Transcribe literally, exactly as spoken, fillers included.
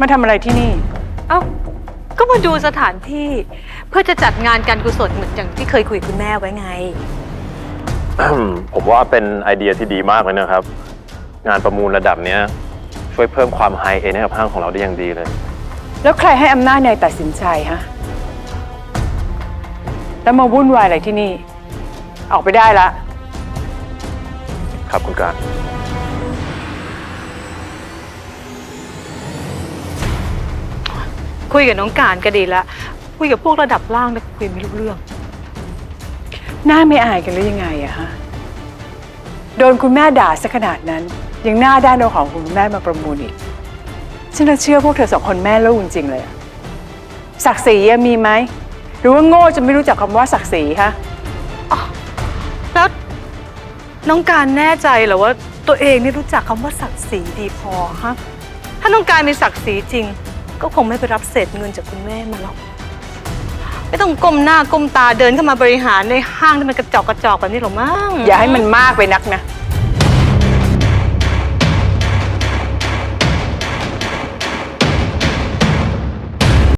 มาทำอะไรที่นี่เอ้าก็มาดูสถานที่เพื่อจะจัดงานการกุศลเหมือนอย่างที่เคยคุยกับคุณแม่ไว้ไงผมว่าเป็นไอเดียที่ดีมากเลยนะครับ งานประมูลระดับนี้ช่วยเพิ่มความไฮเอ็นด์ให้กับห้างของเราได้อย่างดีเลยแล้วใครให้อำนาจนายตัดสินใจฮะ แล้วมาวุ่นวายอะไรที่นี่ ออกไปได้ละครับคุณการคุยกับน้องการก็ดีแล้วคุยกับพวกระดับล่างแต่คุยไม่รู้เรื่องหน้าไม่อายกันหรือยังไงอะฮะ โดนคุณแม่ด่าซะขนาดนั้น ยังหน้าด้านเอาของคุณแม่มาประมูลอีก ฉันน่ะเชื่อพวกเธอสองคนแม่ลูกจริงๆเลยอะศักดิ์ศรีอะมีไหม หรือว่าโง่จนไม่รู้จักคำว่าศักดิ์ศรีฮะแล้วน้องการแน่ใจเหรอว่าตัวเองนี่รู้จักคำว่าศักดิ์ศรีดีพอฮะถ้าน้องการมีศักดิ์ศรีจริง ก็คงไม่ไปรับเศษเงินจากคุณแม่มาหรอกไม่ต้องก้มหน้าก้มตาเดินเข้ามาบริหารในห้างที่มันกระจอกกระจอกแบบนี้หรอกมั้งอย่าให้มันมากไปนักนะ